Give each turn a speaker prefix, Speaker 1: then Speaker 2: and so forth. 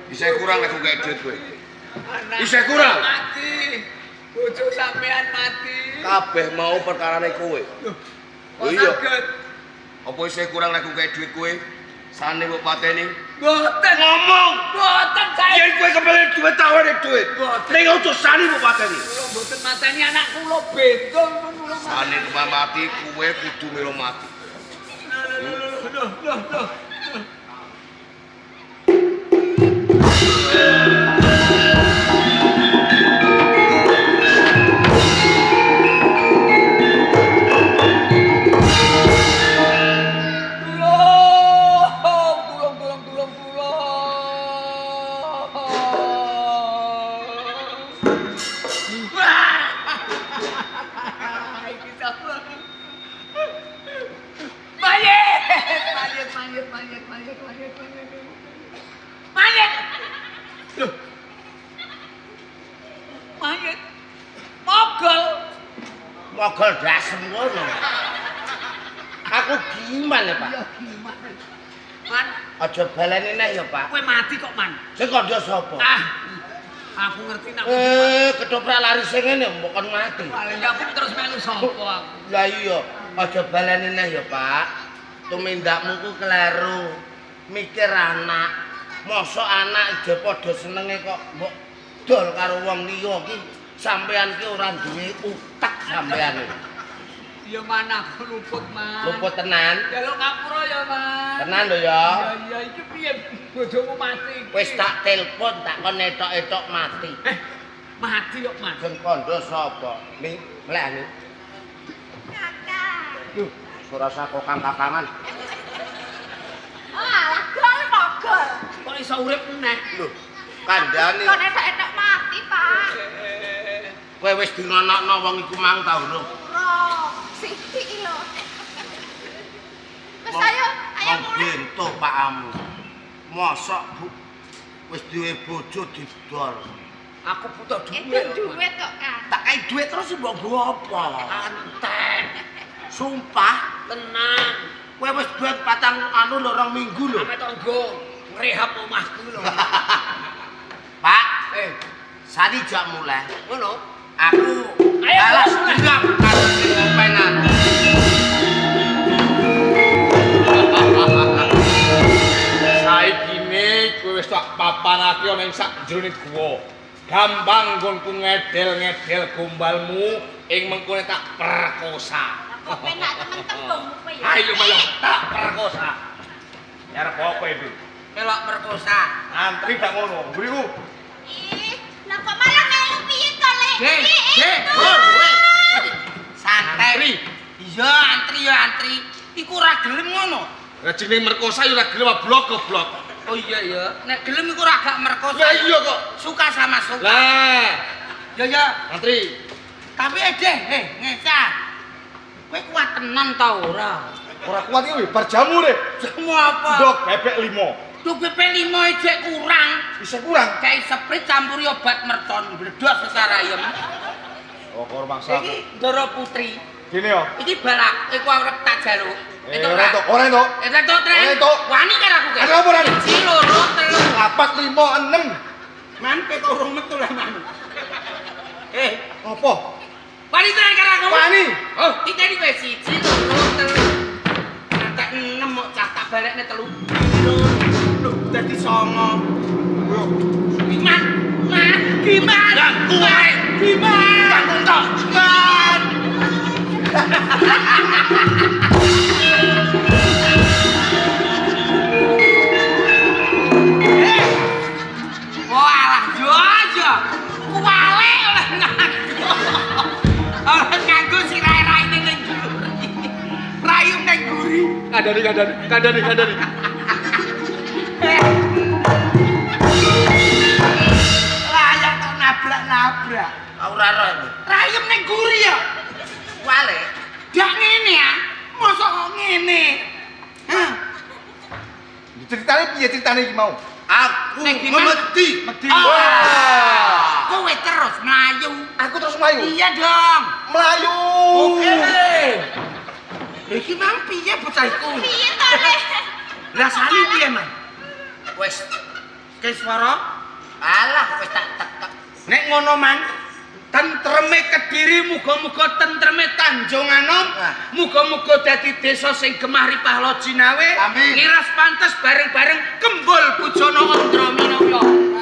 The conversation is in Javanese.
Speaker 1: Isih kurang nek gak duit kowe. Isih kurang.
Speaker 2: Mati. Bojo sampean mati.
Speaker 1: Kabeh mau perkarane kowe.
Speaker 2: Oh iya.
Speaker 1: Apa isih kurang nek gak duit kowe? Sane mbok pateni.
Speaker 2: Mboten.
Speaker 1: Ngomong.
Speaker 2: Mboten saya.
Speaker 1: Yen kowe kembali duit tawane duit. Ning ojo sane mbok pateni.
Speaker 2: Kula mboten mateni anak kula bendol kula.
Speaker 1: Sane kemah mati kowe kudu melu mati.
Speaker 2: Loh. Mayit. Mogol.
Speaker 1: Mogol dasem ngono. Aku gimana, Pak?
Speaker 2: Ya gimana? Man,
Speaker 1: Aja baleni neh ya, Pak.
Speaker 2: kowe mati kok, Man.
Speaker 1: Sing kandha sapa?
Speaker 2: Aku ngerti nak.
Speaker 1: Ketoprak lari sing ngene mbok kon mati.
Speaker 2: Paling aku terus melu sapa aku.
Speaker 1: Lah iya, aja baleni neh ya, Pak. Tumindakmu ku kleru. Mikir anak. Mosok anak aja padha senenge kok mbok dol karo wong liya ki. Sampean ki ora duwe utek sampean.
Speaker 2: Ya mana aku luput, Man.
Speaker 1: Luput tenan.
Speaker 2: Jaluk ngapura ya, Man.
Speaker 1: Tenan lho ya.
Speaker 2: Ya iki piye bojomu mati iki?
Speaker 1: Wis tak telepon tak kon etok-etok mati.
Speaker 2: Mati kok, Man.
Speaker 1: Sing kandha sapa? Ning mlek ning.
Speaker 3: Kakak.
Speaker 1: Duh, ora saka kang-kakangan.
Speaker 3: Alah, gol mogol.
Speaker 2: Kok iso urip meneh?
Speaker 1: Lho, kandhane.
Speaker 3: Kon etok-etok mati, Pak.
Speaker 1: Kowe wis dingonokno wong iku mang ta urung?
Speaker 3: Ora, sithik lho. Wis ayo mulai.
Speaker 1: Bentuk Pak Amu. Mosok Bu wis duwe bojo didol.
Speaker 2: Aku butuh
Speaker 3: Itu
Speaker 2: duit.
Speaker 3: duit kok, Kang.
Speaker 1: Tak kei duit terus mbok nggo apa?
Speaker 2: Antek.
Speaker 1: Sumpah,
Speaker 2: Tenang.
Speaker 1: kowe wis duit patang lho 2 minggu lho.
Speaker 2: Ame tonggo ngrehab omahku lho.
Speaker 1: Pak, sani jak mulai.
Speaker 2: Ngono.
Speaker 1: Aku balas dendam karo sing ngopenan.
Speaker 4: Saikine kowe wis tak papanake ana ing sak jroning guwa. Gampang nggonku ngedel-ngedel gombalmu ing mengkone tak perkosa.
Speaker 3: Kok penak temen tembungmu kowe ya.
Speaker 4: Ayo mayo tak perkosa. Arep apa itu?
Speaker 2: Melok perkosa.
Speaker 4: Antri tak ngono. Mburiku.
Speaker 3: Ih, lah kok malah melu piye to, Lek?
Speaker 2: Santai. Iya, antri ya antri. Iku ora gelem ngono.
Speaker 4: Lah jenenge merkosa ya ora gelem blok goblok.
Speaker 2: Oh iya ya. Nek gelem iku ora gak merkosa.
Speaker 4: Lah iya kok.
Speaker 2: Suka sama suka.
Speaker 4: Lah,
Speaker 2: Ya.
Speaker 4: antri.
Speaker 2: Tapi ngeca. Kowe kuat tenan ta ora?
Speaker 4: Ora kuat iki bar jamu deh.
Speaker 2: Semua apa?
Speaker 4: Dok bebek 5.
Speaker 2: Duh BP 5 ejek kurang.
Speaker 4: Bisa kurang.
Speaker 2: Kayak sprit campuri obat mercon bledos secara ayam.
Speaker 4: Oh, kor mangsa.
Speaker 2: Iki Ndoro Putri.
Speaker 4: Gini yo.
Speaker 2: Iki balak, iku arep tak jaluk.
Speaker 4: Ora entuk, ora entuk.
Speaker 2: Entuk tren.
Speaker 4: Ora entuk.
Speaker 2: Wani karo aku ke.
Speaker 4: Ada apa, Ran?
Speaker 2: 1 loro telu.
Speaker 4: 4 5 6.
Speaker 2: Man pe kok urung metu lah man.
Speaker 4: Apa?
Speaker 2: Wani tren karo aku.
Speaker 4: Wani.
Speaker 2: Oh, iki iki wis 1 loro telu. Nantek 6 mok cah tak balekne 3. Lho, dadi 9. Gimana? Gimana? Gimana? Man. Walah, jojo. Kuwale oleh nganggo. Oleh nganggo si rai-rai ning guri. Rayum ning guri.
Speaker 4: Kandani.
Speaker 2: Layak kok nabrak-nabrak.
Speaker 1: Ora roh iki.
Speaker 2: Rayum ning guri ya.
Speaker 1: Wale.
Speaker 2: Dak ngene ya. Mosok kok ngene. Hah?
Speaker 4: Ceritane piye ceritane iki mau?
Speaker 1: Aku
Speaker 2: Nek gimana?
Speaker 1: memedi.
Speaker 2: Wah. Kowe terus mlayu.
Speaker 4: Aku terus mlayu.
Speaker 2: Iya dong.
Speaker 4: Mlayu.
Speaker 2: Oke. Iki mang piye bocah iku?
Speaker 3: Piye to, Lek?
Speaker 2: Lah sani piye, Man?
Speaker 1: Wis
Speaker 2: Kiswara,
Speaker 1: Alah wis tak tekek.
Speaker 2: nek ngono man, tentreme Kediri muga-muga tentreme Tanjung Anom, muga-muga dadi desa sing gemah ripah Jinawe,
Speaker 1: Amin.
Speaker 2: ngiras pantes bareng-bareng kembul bujana Andra Minaya.